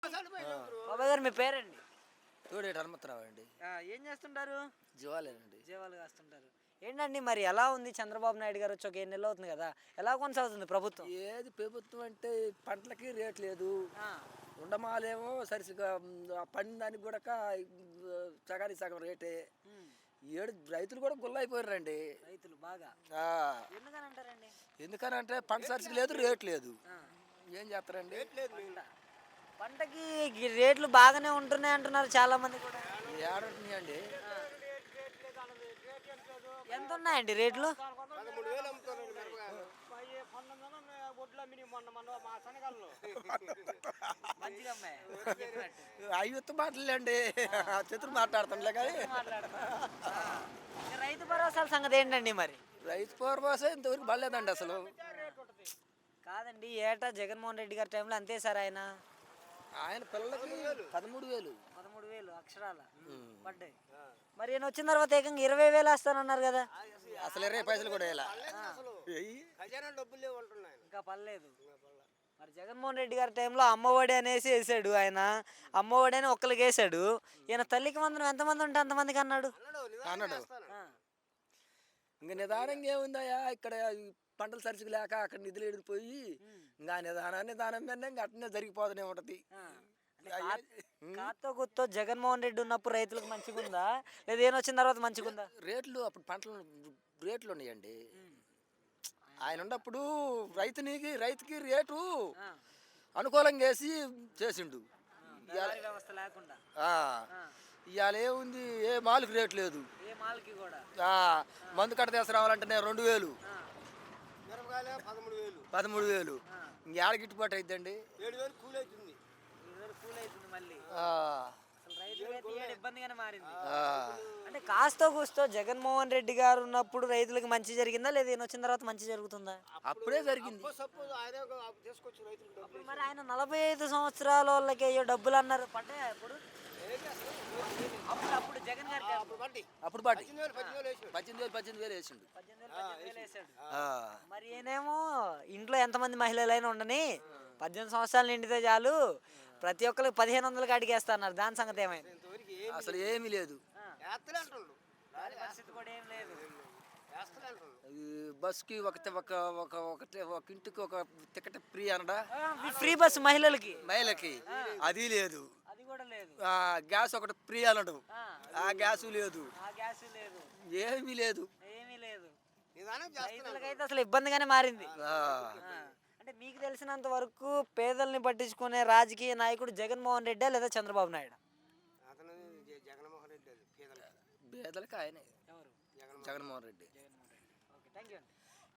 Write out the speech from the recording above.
బాబాయ్ గారు మీ పేరండి? తోడేటి హనుమంతరావు అండి. ఏం చేస్తుంటారు? జీవాలేనండి. జీవాలు కాస్తుంటారు. ఏంటండి మరి ఎలా ఉంది చంద్రబాబు నాయుడు గారు వచ్చి ఒక 7 నెలలు అవుతుంది కదా, ఎలా కొనసాగుతుంది ప్రభుత్వం? ఏది ప్రభుత్వం అంటే పంటలకి రేట్ లేదు. ఆ, ఉండమాలేమో సరిసిగా పండిన దానికి కూడా సగానికి సగం రేటే. ఉమ్, ఏడు రైతులు కూడా గుల్లైపోయారండి. రైతులు బాగా ఆ, ఎందుకని అంటారండి? ఎందుకనంటే పంట సరిసిగా లేదు, రేట్ లేదు. ఆ, ఏం చేస్తారండి? పంటకి రేట్లు బాగానే ఉంటున్నాయి అంటున్నారు చాలా మంది కూడా. ఏడుంటున్నాయండి. ఆ, ఎంత ఉన్నాయండి రేట్లు? మంచిగా అమ్మాయి చెప్పినట్టు. అయ్యొత్తు మాటలండి. చతురు మాట్లాడుతుండలే కానీ రైతు భరోసాల సంగతి ఏంటండి మరి? రైతు పూర్వాస ఇంతవరకు పడలేదండి అసలు. కాదండి, ఏటా జగన్మోహన్ రెడ్డి గారి టైంలో అంతే సార్ ఆయన పిల్లలకి 13,000. 13,000 అక్షరాల పడ్డాయి. మరి ఈయన వచ్చిన తర్వాత ఏకంగా 20,000 వేస్తానన్నారు కదా. అసలు 20 పైసలు కూడా వేయాల. ఇంకా పర్లేదు. మరి జగన్మోహన్ రెడ్డి గారి టైంలో అమ్మఒడి అనేసి వేసాడు ఆయన. అమ్మఒడి అని ఒక్కరికి వేసాడు. ఈయన తల్లికి వందనం ఎంతమంది ఉంటే అంతమందికి అన్నాడు. ఆ, ఇంకా నిదానంగా ఏముందయ్యా, ఇక్కడ ఈ పంటలు సరిచికి లేక అక్కడ నిధులు ఎడిపోయి ఇంకా నిదానం మీద ఇంకా అట్నే జరిగిపోతూనే ఉంటది. ఆ. అంటే కాతో గుర్తో జగన్మోహన్ రెడ్డి ఉన్నప్పుడు రైతులకు మంచిగా ఉందా, లేదా ఈయన వచ్చిన తర్వాత మంచిగా ఉందా? రేట్లు అప్పుడు పంటలు రేట్లు ఉన్నాయండి. ఆయన ఉన్నప్పుడు రైతుకి రేటు ఆ, అనుకూలంగా వేసి చేసిండు. దళారీ వ్యవస్థ లేకుండా. ఇవాళ ఏముంది, ఏ మాలకు రేటు లేదు. ఏ మాల్కి కూడా. మందు కట్ట తీసుకురావాలంటేనే 2,000, ఆ, 13,000. ఇంకేడ గిట్టుబాటు అయిద్దండి. 7,000 కూల్ అవుతుంది మళ్ళీ. అసలు రైతులకైతే ఏడు ఇబ్బందిగానే మారింది. అంటే కాస్తో కూస్తో జగన్మోహన్ రెడ్డి గారు ఉన్నప్పుడు రైతులకు మంచి జరిగిందా, లేదా ఈయన వచ్చిన తర్వాత మంచి జరుగుతుందా? అప్పుడే జరిగింది. అప్పుడు మరి ఆయన 45 సంవత్సరాల వాళ్ళకి అయ్యో డబ్బులు అన్నారు, పడ్డాయా అప్పుడు? అప్పుడు జగన్ గారు అప్పుడు పాటి 18,000 వేసిండు. 18,000 వేసాడు. మరి ఈయనేమో ఇంట్లో ఎంతమంది మహిళలైనా ఉండని 18 సంవత్సరాలు నిండితే చాలు ప్రతి ఒక్కరికి 1,500 కాడికి వేస్తా అన్నారు. దాని సంగతి ఏమైంది? అసలు ఏమీ లేదు. దాని పరిస్థితి కూడా ఏం లేదు. బస్కి ఒక ఇంటికి ఒక టికెట్ ఫ్రీ అనడా, ఫ్రీ బస్సు మహిళకి అది లేదు. అది కూడా లేదు. గ్యాస్ ఒకటి ఫ్రీ అనడు, ఆ గ్యాసు లేదు. ఏమీ లేదు. రైతులకైతే అసలు ఇబ్బందిగానే మారింది. అంటే మీకు తెలిసినంత వరకు పేదల్ని పట్టించుకునే రాజకీయ నాయకుడు జగన్మోహన్ రెడ్డి లేదా చంద్రబాబు నాయుడు? పేదలకి ఆయనే, Jaganmohan Reddy. Okay, thank you అండి.